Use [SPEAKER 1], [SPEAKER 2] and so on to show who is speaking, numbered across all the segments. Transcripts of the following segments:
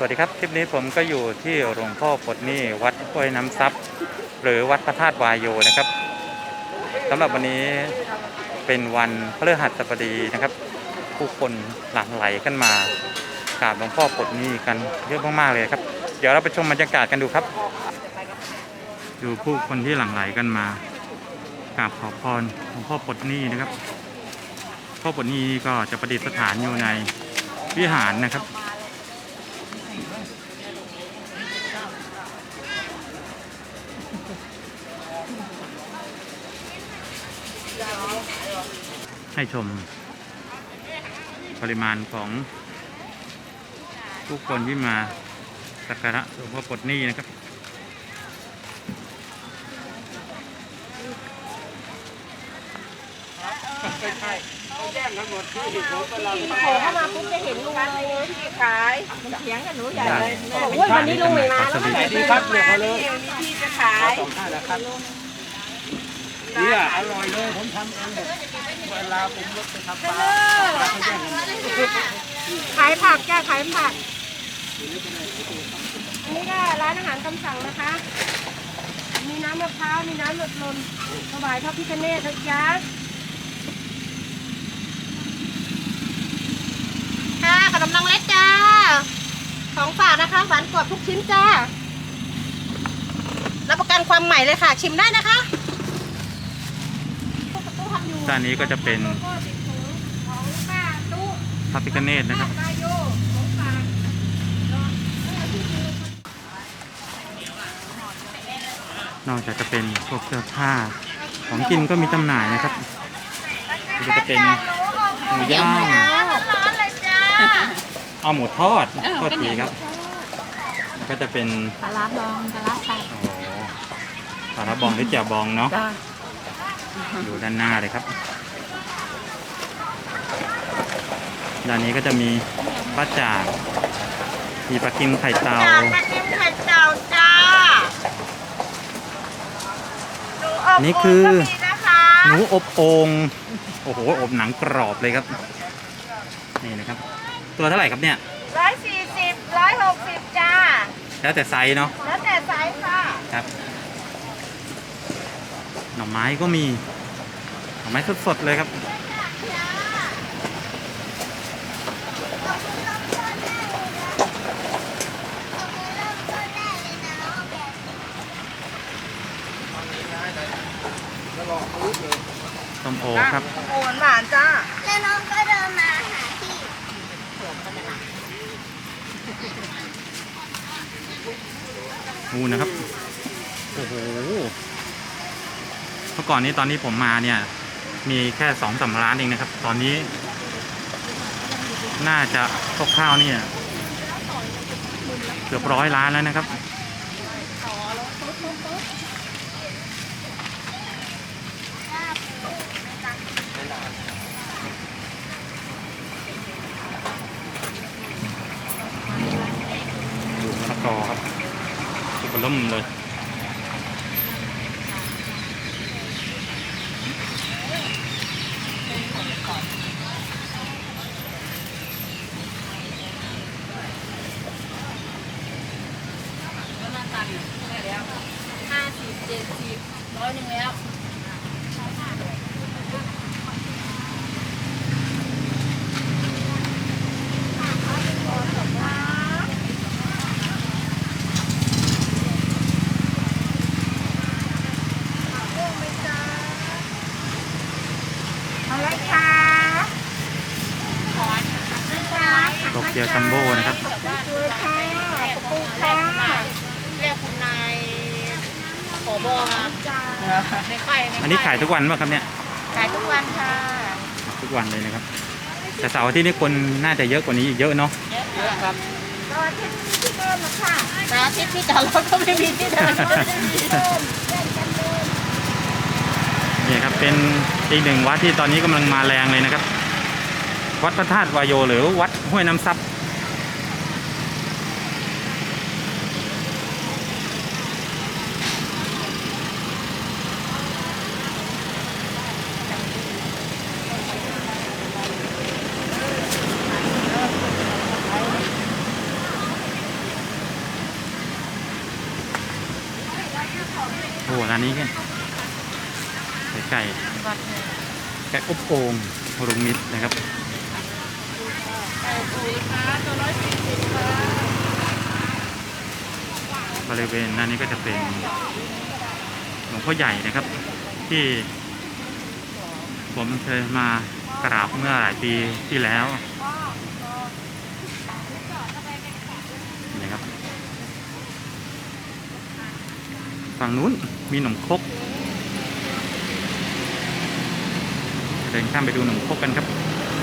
[SPEAKER 1] วัสดีครับคลิปนี้ผมก็อยู่ที่หลวงพ่อปลดหนี้วัดห้วยน้ำซับหรือวัดพระธาตุวายโยนะครับสำหรับวันนี้เป็นวันพฤหัสบดีนะครับผู้คนหลั่งไหลกันมากราบหลวงพ่อปลดหนี้กันเยอะมากๆเลยครับเดี๋ยวเราไปชมบรรยากาศกันดูครับดูผู้คนที่หลั่งไหลกันมากราบขอพรหลวงพ่อปลดหนี้นะครับพ่อปลดหนี้ก็จะประดิษฐานอยู่ในวิหารนะครับให้ชมปริมาณของผู้คนที่มาสักการะหลวงพ่อปลดหนี้นะครับ
[SPEAKER 2] โผล่เข้ามาปุ๊บจะเห็นลุงเลยที่ขายมันเถียงกันหนูใหญ่เลยโอ้ยวันนี้ลุงไม่มาแล้วไม่ดีครับเนี่ยเขาเลยมีที่จะขาย
[SPEAKER 3] เนี่ยอร่อยเลยผมทำเองแบบเวลาผมรถไปทำปลา
[SPEAKER 2] ขายผักจ้าขายผักอันนี้ก็ร้านอาหารตามสั่งนะคะมีน้ำมะพร้าวมีน้ำรสลมถวายพระพิฆเนศนะจ๊ะค่ะขนมนางเล็กจ้าของฝากนะคะหวานกรอบทุกชิ้นจ้ารับประกันความใหม่เลยค่ะชิมได้นะคะ
[SPEAKER 1] ด้านนี้ก็จะเป็นพระพิฆเนศนะครับนอกจากจะเป็นพวกเสื้อผ้าของกินก็มีจำหน่ายนะครับนี่ก็จะเป็นหมูย่างเอาหมูทอดโทษทีครับก็จะเป็น
[SPEAKER 2] ปลาร้าบองปลาร้าใส่
[SPEAKER 1] โอ้ปลาร้าบองหรือแจ่วบองเนาะอยู่ด้านหน้าเลยครับด้านนี้ก็จะมีปลาจ่างมีปลากิมไข่เต่า
[SPEAKER 2] ปลากิมไข่เต่าจ้า
[SPEAKER 1] นี่คือหนูอบโอ่งโอ้โหอบหนังกรอบเลยครับนี่นะครับตัวเท่าไหร่ครับเนี่ย
[SPEAKER 2] 140 160จ้า
[SPEAKER 1] แล้วแต่ไซส์เนาะ
[SPEAKER 2] แล้วแต่ไซส์ค่ะ
[SPEAKER 1] ครับหน่อไม้ก็มีหน่อไม้สดๆเลยครับส้มโอครับ
[SPEAKER 2] โอนหวานจ้า
[SPEAKER 4] แล้วน้องก็เดินมาหาพี่
[SPEAKER 1] งูนะครับโอ้โหเมื่อก่อนนี้ตอนนี้ผมมาเนี่ยมีแค่2-3 ร้านเองนะครับตอนนี้น่าจะคร่าวๆเนี่ยเกือบ100 ร้านแล้วนะครับมะละกอครับสุกล่มเลย
[SPEAKER 2] 50 70 100แล้วอะไรคะ
[SPEAKER 1] โตเกียวจัมโบ้นะครับ
[SPEAKER 2] คือค่ะปูค่ะเรียกคุณนายผบ.มาในไข่
[SPEAKER 1] อันนี้ขายทุกวันป่ะครับเนี่ย
[SPEAKER 2] ขายทุกวันค่ะ
[SPEAKER 1] ทุกวันเลยนะครับแต่เสาร์อาทิตย์นี่คนน่าจะเยอะกว่านี้อีกเยอะเนาะ
[SPEAKER 2] เยอะครับเสาร์อาทิตย์ที่เดิมนะค่ะเสาร์อาทิตย์ที่จอดรถก็ไม่มีที่เดิน
[SPEAKER 1] นี่ครับเป็นอีกหนึ่งวัดที่ตอนนี้กำลังมาแรงเลยนะครับวัดพระธาตุวายโยหรือวัดห้วยน้ำซับนี้ไก่อบโอ่งลุงนิดนะครับ
[SPEAKER 2] ไก่ปุ๋ยค่ะตัว140ค่ะ
[SPEAKER 1] บริเวณนั้นนี้ก็จะเป็นหลวงพ่อใหญ่นะครับ ที่ผมเคยมากราบเมื่อหลายปีที่แล้วนี่ครับฝั่งนู้นมีหนมครกเดินข้ามไปดูหนมครกกันครับ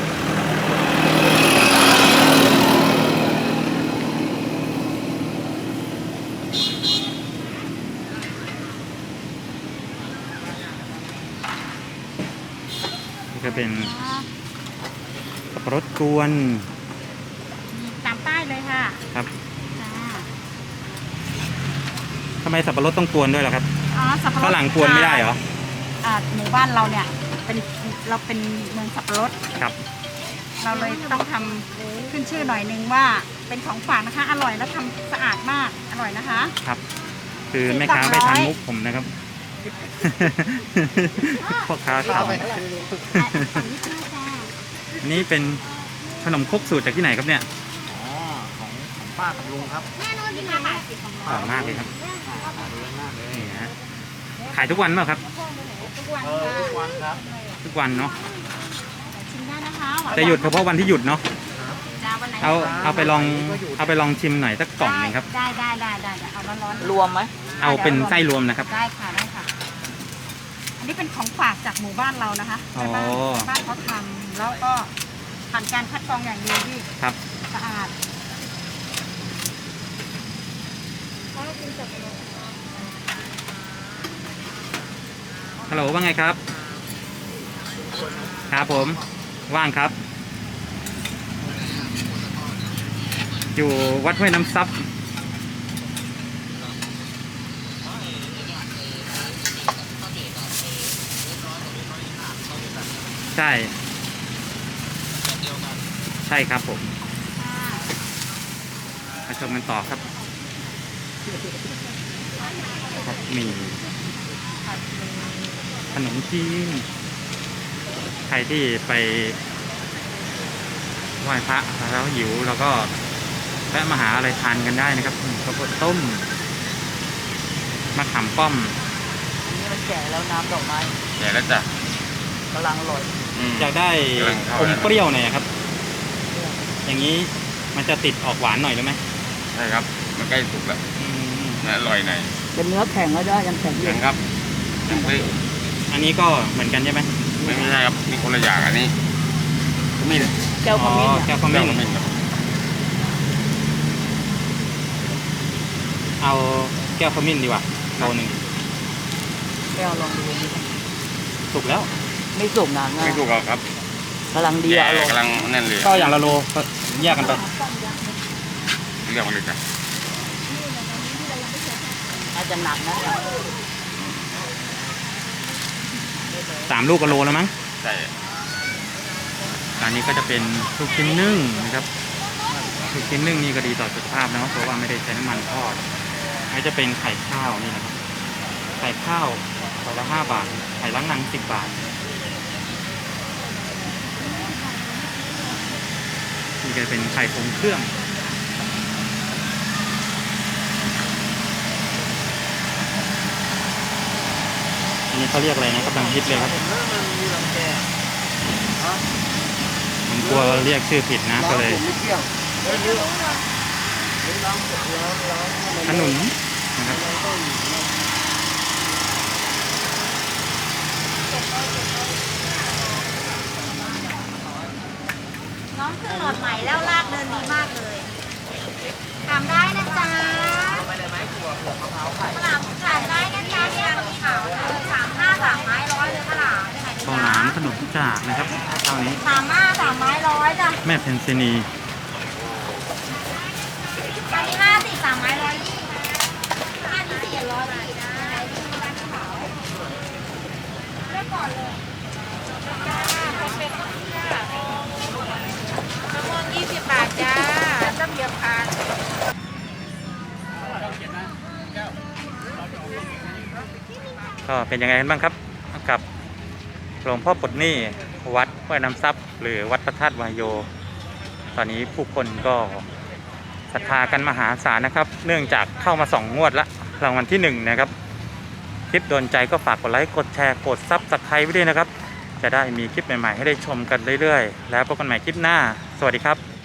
[SPEAKER 1] นี่ก็เป็นสับปะรดกวน
[SPEAKER 2] ตามป้ายเลยค่ะ
[SPEAKER 1] ครับทำไมสับปะรดต้องกวนด้วยล่ะครับ
[SPEAKER 2] อ๋อสับปะรด
[SPEAKER 1] ข้าวหลังกวนไม่ได้เหรอ
[SPEAKER 2] หมู่บ้านเราเนี่ยเราเป็นเมืองสับปะรด
[SPEAKER 1] ครับ
[SPEAKER 2] เราเลยต้องทำขึ้นชื่อหน่อยนึงว่าเป็นของฝากนะคะ อร่อยและทำสะอาดมากอร่อยนะคะ
[SPEAKER 1] ครับ คือแม่ค้าไม่ทันมุกผมนะครับ พ่อค้าขำอันนี้เป็นขนมครกสูตรจากที่ไหนครับเนี่ย
[SPEAKER 3] อ๋อของป้ากับลุงครับ
[SPEAKER 1] อร่อยมากเลยครับ
[SPEAKER 3] หาดูมากเลย
[SPEAKER 1] นี่ฮะขายทุกวันเปล่าครับ
[SPEAKER 2] ทุกวัน
[SPEAKER 3] ทุกวันครับ
[SPEAKER 1] ทุกวันเนาะ
[SPEAKER 2] ชิมได้นะคะ
[SPEAKER 1] จะหยุดเฉพาะวันที่หยุดเนาะ
[SPEAKER 2] จ้าวันไหน
[SPEAKER 1] เอาไปลองชิมหน่อยสักกล่องหนึ่งครับ
[SPEAKER 2] ได้เอาร้อนๆ
[SPEAKER 5] รวมไหม
[SPEAKER 1] เอาเป็นไส้รวมนะครับ
[SPEAKER 2] ได้ค่ะอันนี้เป็นของฝากจากหมู่บ้านเรานะคะ
[SPEAKER 1] อ๋อ
[SPEAKER 2] แม่บ้านเขาทำแล้วก็ผ่านการคัดกรองอย่างดีที่
[SPEAKER 1] ครับ
[SPEAKER 2] สะอาด
[SPEAKER 1] ฮัลโหลว่าไงครับ ครับผมว่างครับ อยู่วัดห้วยน้ำซับใช่ใช่ครับผมมาชมกันต่อครับมีขนมจีนใครที่ไปไหว้พระแล้วหิวแล้วก็แวะมาหาอะไรทานกันได้นะครับข้าวโพดต้มมะขามป้อม
[SPEAKER 5] อันนี้มันแก่แล้วน้ำดอกไม้
[SPEAKER 3] แก่แล้วจ้ะ
[SPEAKER 5] กำลังอร่อย
[SPEAKER 1] อยากได้อมเปรี้ยวหน่อยครับ อย่างนี้มันจะติดออกหวานหน่อยหรือไหม
[SPEAKER 3] ใช่ครับ มันใกล้สุกแล้วนะอร่อยหน่อย
[SPEAKER 5] เป็นเนื้อแข็งแล้วได้ยังแข็งอ
[SPEAKER 3] แข็
[SPEAKER 5] ยู่
[SPEAKER 3] งครับยังไม่
[SPEAKER 1] อันนี้ก็เหมือนกันใช่ไหม
[SPEAKER 3] ไม่ใช่ครับมีคนละอย่างอันนี้ขมิ้น
[SPEAKER 5] แก้วขมิ้น
[SPEAKER 1] อ๋อ
[SPEAKER 5] อะ
[SPEAKER 1] แก้วข
[SPEAKER 3] เรื่
[SPEAKER 1] มิ้
[SPEAKER 3] อง
[SPEAKER 1] น
[SPEAKER 3] ขมิ้นครับ
[SPEAKER 1] เอาแก้วขมิ้นดีกว่าโลนึง
[SPEAKER 5] แก้วลองดูดิ
[SPEAKER 1] สุกแล้ว
[SPEAKER 5] ไม่สุกนาน
[SPEAKER 3] ไม่ถูกหรอกครับ
[SPEAKER 5] กำลังดี
[SPEAKER 3] แก่
[SPEAKER 5] อร่อย
[SPEAKER 3] กำลังแน่นเลย
[SPEAKER 1] ก็อย่างละโลก็แยกกันไป
[SPEAKER 3] เรียกมาเลยจ้ะ
[SPEAKER 5] อาจจะหนักนะเนี่ย
[SPEAKER 1] 3 ลูกก็โลแล้วมั้ง
[SPEAKER 3] ใช่
[SPEAKER 1] อันนี้ก็จะเป็นลูกชิ้นนึ่งนะครับลูกชิ้นนึ่งนี่ก็ดีต่อสุขภาพนะครับเพราะว่าไม่ได้ใช้น้ำมันทอดอันนี้จะเป็นไข่ข้าวนี่นะครับไข่ข้าวฟองละ5 บาทไข่ล้างหนัง10 บาทนี่ก็จะเป็นไข่ทรงเครื่องอันนี้เขาเรียกอะไรนะกำลังฮิตเลยครับ
[SPEAKER 3] มันมีลำแก่
[SPEAKER 1] ผมกลัวเรียกชื่อผิดนะก็เลย
[SPEAKER 3] ไม่เที่ยวไม่เยอะล้างเสร็จแล้วล้าง
[SPEAKER 1] ขนุนนะครับ
[SPEAKER 2] น้องขึ้นหลอดใหม่แล้วลากเดินดีมากเลยทำได้นะจ๊ะขนมขายได้นะจ๊ะเนี่ยขาว3 ไม้ 100เลยขนม
[SPEAKER 1] ข้าวหลามขนมจากนะครับเท่านี้
[SPEAKER 2] 3 ไม้ 100จ้ะ
[SPEAKER 1] แม่เพนซินี
[SPEAKER 2] อันนี้50 3 ไม้120อันนี้400ได้เลือกก่อนเลยมะม่วง20 บาทจ้าต้มยำค่ะ
[SPEAKER 1] ก็เป็นยังไงกันบ้างครับกับหลวงพ่อปลดหนี้วัดห้วยน้ำซับหรือวัดพระธาตุวายโย ตอนนี้ผู้คนก็ศรัทธากันมหาศาลนะครับ เนื่องจากเข้ามา2 งวดละรางวัลที่1นะครับคลิปโดนใจก็ฝากกดไลค์กดแชร์กดซับสไครต์ไว้ด้วยนะครับจะได้มีคลิปใหม่ๆให้ได้ชมกันเรื่อยๆแล้วพบกันใหม่คลิปหน้าสวัสดีครับ